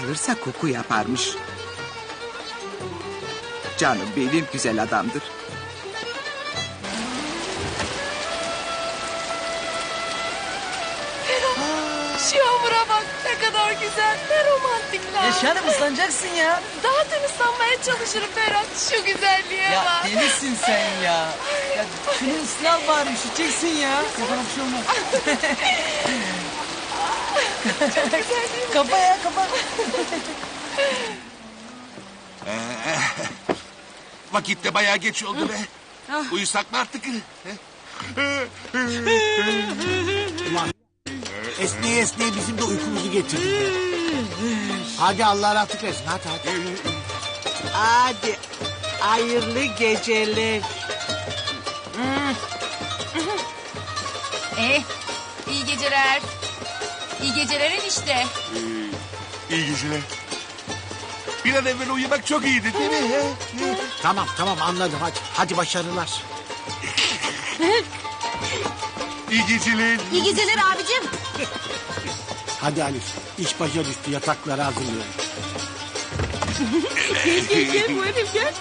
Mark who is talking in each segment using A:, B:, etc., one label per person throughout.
A: alırsa koku yaparmış. Canım benim güzel adamdır.
B: Şu yağmura bak ne kadar güzel, ne romantik lan.
C: Yaşarım ıslanacaksın ya.
B: Zaten ıslanmaya çalışırım Ferhat. Şu güzelliğe
C: Ya
B: bak.
C: delisin sen ya. Ya şunu ıslah bari üşüteceksin ya. Yapana bir şey olmaz.
B: Çok güzel değil mi?
C: Kapa ya kapa.
D: Vakit de bayağı geç oldu be. Uyusak mı artık?
E: Esneye esneye bizim de uykumuzu getirdi. Hadi Allah rahatlık versin. Hadi.
A: Hadi hayırlı geceler.
B: İyi geceler. İyi geceler enişte.
D: İyi geceler. Bir an evvel uyumak çok iyiydi değil mi?
E: Tamam anladım hadi. Hadi başarılar.
D: İyi geceler.
B: İyi geceler abicim.
E: Hadi Alif. İş başa düştü, yatakları hazırlayalım.
B: Gel bu herif gel.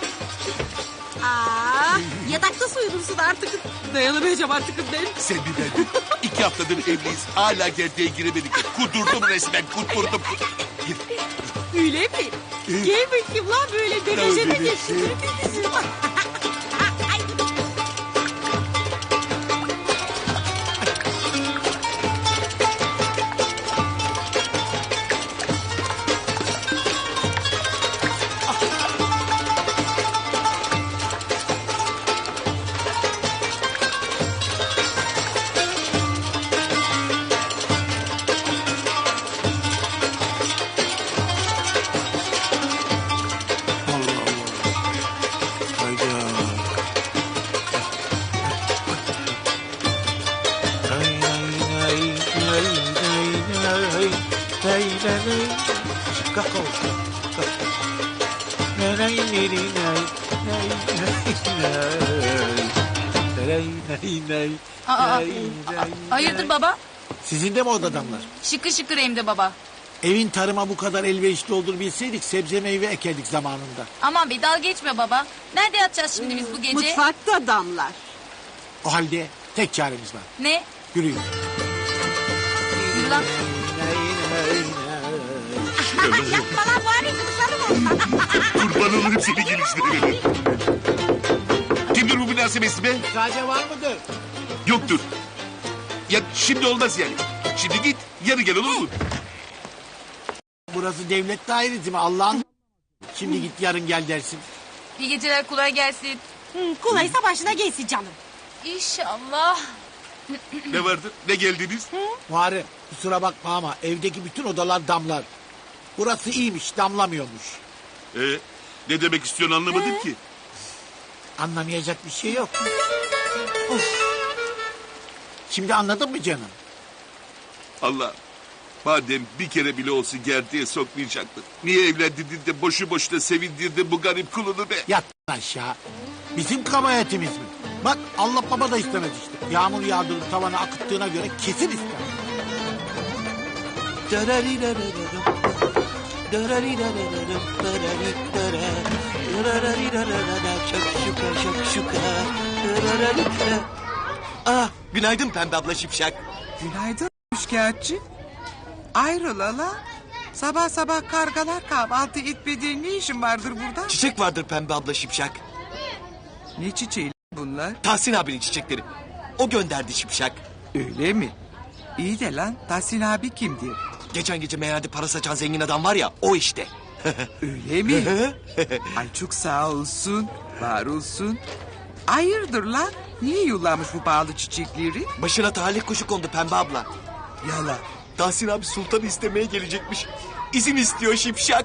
B: Yatakta uyudursun artık. Dayanamayacağım artık ben.
D: Sen bir ben. 2 haftadır evliyiz. Hala gerdeğe giremedik. Kudurdum resmen kudurdum.
B: Öyle mi? Gel bakayım lan böyle dönecene geçsin. Hayırdır baba?
E: Sizin de mi orada adamlar?
B: Şıkır şıkır hem de baba.
E: Evin tarıma bu kadar elverişli olduğunu bilseydik sebze meyve ekerdik zamanında.
B: Aman be dalga geçme baba. Nerede yatacağız şimdi biz bu gece?
A: Mutfakta damlar.
E: O halde tek çaremiz var.
B: Ne?
E: Yürüyün.
B: Yürü lan.
D: Yapma lan bari kurban olurum seni geliştirene. Kimdir bu münasebesi be?
E: Sadece var mıdır?
D: Yoktur. Ya şimdi olmaz yani. Şimdi git yarın gel olur mu?
E: Burası devlet dairesi mi Allah'ın? Şimdi git yarın gel dersin.
B: İyi geceler kolay gelsin.
F: Kolaysa başına gelsin canım.
B: İnşallah.
D: Ne vardı? Ne geldiniz?
E: Muharrem kusura bakma ama evdeki bütün odalar damlar. Burası iyiymiş damlamıyormuş.
D: Ne demek istiyorsun anlamadım ki.
E: Anlamayacak bir şey yok. Of. Şimdi anladın mı canım?
D: Allah. Madem bir kere bile olsun gerdeğe sokmayacaktın. Niye evlendirdin de boşu boşuna sevindirdin bu garip kulunu be?
E: Yat aşağı. Bizim kabahatimiz mi? Bak Allah baba da istemez işte. Yağmur yağdırıp tavana akıttığına göre kesin ister.
C: Günaydın Pembe abla Şipşak.
A: Günaydın şikayetçi. Ayrılala. Sabah sabah kargalar kahvaltı etmediğin ne işin vardır burada?
C: Çiçek vardır Pembe abla Şipşak.
A: Ne çiçeği bunlar?
C: Tahsin abinin çiçekleri. O gönderdi Şipşak.
A: Öyle mi? İyi de lan Tahsin abi kimdir?
C: Geçen gece meyhanede para saçan zengin adam var ya o işte.
A: Öyle mi? Ay çok sağ olsun. Var olsun. Hayırdır lan? Niye yollamış bu pahalı çiçekleri?
C: Başına talih kuşu kondu Pembe abla.
A: Yala.
C: Tahsin abi sultanı istemeye gelecekmiş. İzin istiyor Şipşak.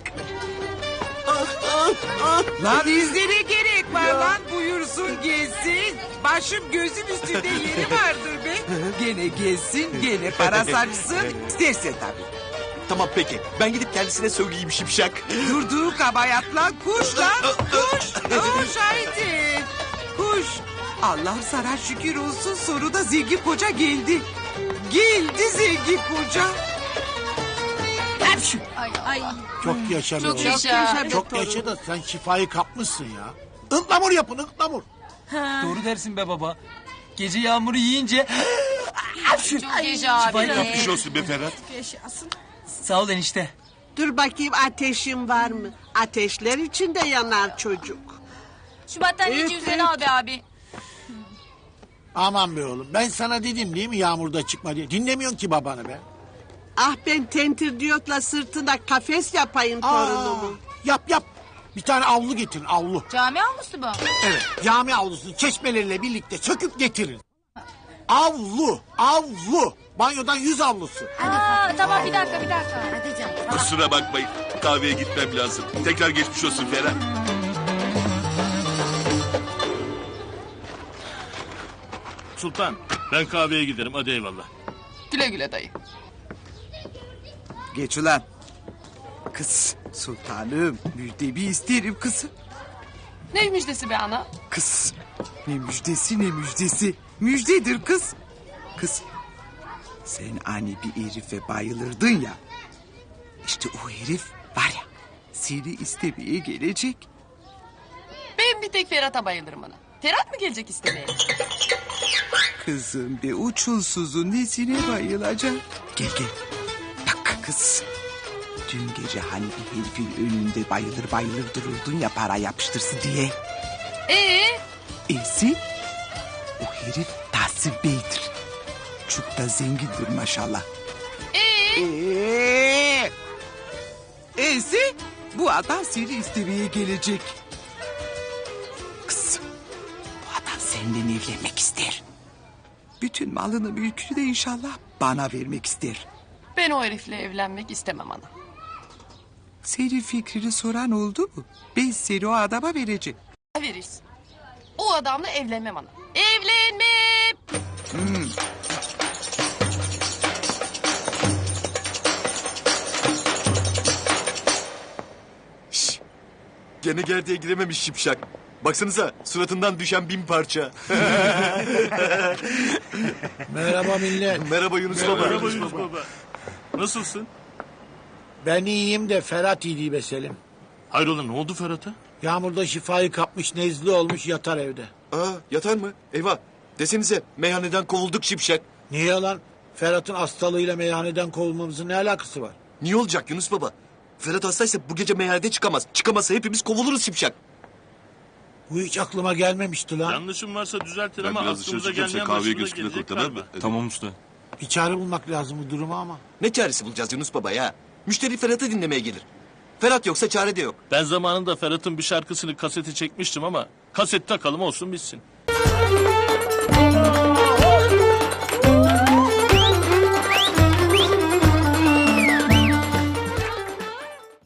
A: Lan izlere gerek var lan buyursun gelsin. Başım gözüm üstünde yeri vardır be. Gene gelsin gene para saçsın. İstersen tabii.
C: Tamam peki ben gidip kendisine söyleyeyim Şipşak.
A: Durduğu kabayat lan kuş lan kuş. Kuş haydi. Kuş. Allah'ım sana şükür olsun sonunda zengin koca geldi. Geldi zengin koca.
B: Ay.
E: Çok yaşa be
B: Çok
E: oğlum.
B: yaşa.
E: Çok yaşa da sen şifayı kapmışsın ya. Ihlamur yapın ıhlamur.
C: Doğru dersin be baba. Gece yağmuru yiyince...
B: Çok yaşa abi.
D: Yapmış olsun be Ferhat.
C: Sağ ol enişte.
G: Dur bakayım ateşin var mı? Ateşler içinde yanar çocuk.
B: Şu battaniyeyi üzerine al be abi.
E: Aman be oğlum ben sana dedim değil mi yağmurda çıkma diye. Dinlemiyorsun ki babanı be.
G: Ah ben tentir diyotla sırtına kafes yapayım torunumu.
E: Yap. Bir tane avlu getirin avlu.
B: Cami avlusu bu.
E: Evet cami avlusunu çeşmeleriyle birlikte söküp getirin. Avlu. Banyodan 100 avlusu.
B: Tamam bir dakika. Hadi canım.
D: Kusura bakmayın. Kahveye gitmem lazım. Tekrar geçmiş olsun Ferhat.
H: Sultan, ben kahveye giderim. Hadi eyvallah.
A: Güle güle dayı. Geç ulan. Kız sultanım müjdemi isterim kızım.
B: Ne müjdesi be ana?
A: Kız ne müjdesi ne müjdesi. Müjdedir kız. Kız sen ani bir herife bayılırdın ya. İşte o herif var ya seni istemeye gelecek.
B: Ben bir tek Ferhat'a bayılırım ana. Ferhat mı gelecek istemeye?
A: Kızım be uçulsuzun nesine bayılacak. Gel. Bak kız. Dün gece hani bir herifin önünde bayılır dururdun ya para yapıştırsın diye. Esi o herif Tahsin Bey'dir. Çok da zengindir maşallah. Esi bu adam seni istemeye gelecek. Kızım bu adam seninle evlenmek ister. Bütün malını mülkünü de inşallah bana vermek ister.
B: Ben o herifle evlenmek istemem ana.
A: Senin fikrini soran oldu mu? Ben seni o adama vereceğim.
B: Veririz. O adamla evlenmem ana. Evlenmem.
I: Gene gerdeğe girememiş şipşak. Baksanıza suratından düşen 1000 parça.
E: Merhaba millet.
I: Merhaba Yunus Baba.
H: Merhaba Yunus Baba. Nasılsın?
E: Ben iyiyim de Ferhat iyi değil be Selim.
H: Hayrola ne oldu Ferhat'a?
E: Yağmurda şifayı kapmış nezle olmuş yatar evde.
I: Aa, yatar mı? Eyvah. Desenize meyhaneden kovulduk şipşak.
E: Niye lan? Ferhat'ın hastalığıyla meyhaneden kovulmamızın ne alakası var?
I: Niye olacak Yunus Baba? Ferhat hastaysa bu gece meyhanede çıkamaz. Çıkamazsa hepimiz kovuluruz şipşak.
E: Bu hiç aklıma gelmemişti lan.
H: Yanlışım varsa düzeltin
D: Ben
H: ama
D: biraz dışarı
H: aklımıza
D: çıkayım, sen
H: gelmeyen
D: kahveye
H: başımıza
D: götürme
H: gelecek
D: tamam mı?
H: galiba.
D: Tamam usta.
E: Bir çare bulmak lazım bu duruma ama.
I: Ne çaresi bulacağız Yunus Baba ya? Müşteri Ferhat'ı dinlemeye gelir. Ferhat yoksa çare de yok.
H: Ben zamanında Ferhat'ın bir şarkısını kasete çekmiştim ama kaset takalım olsun bitsin.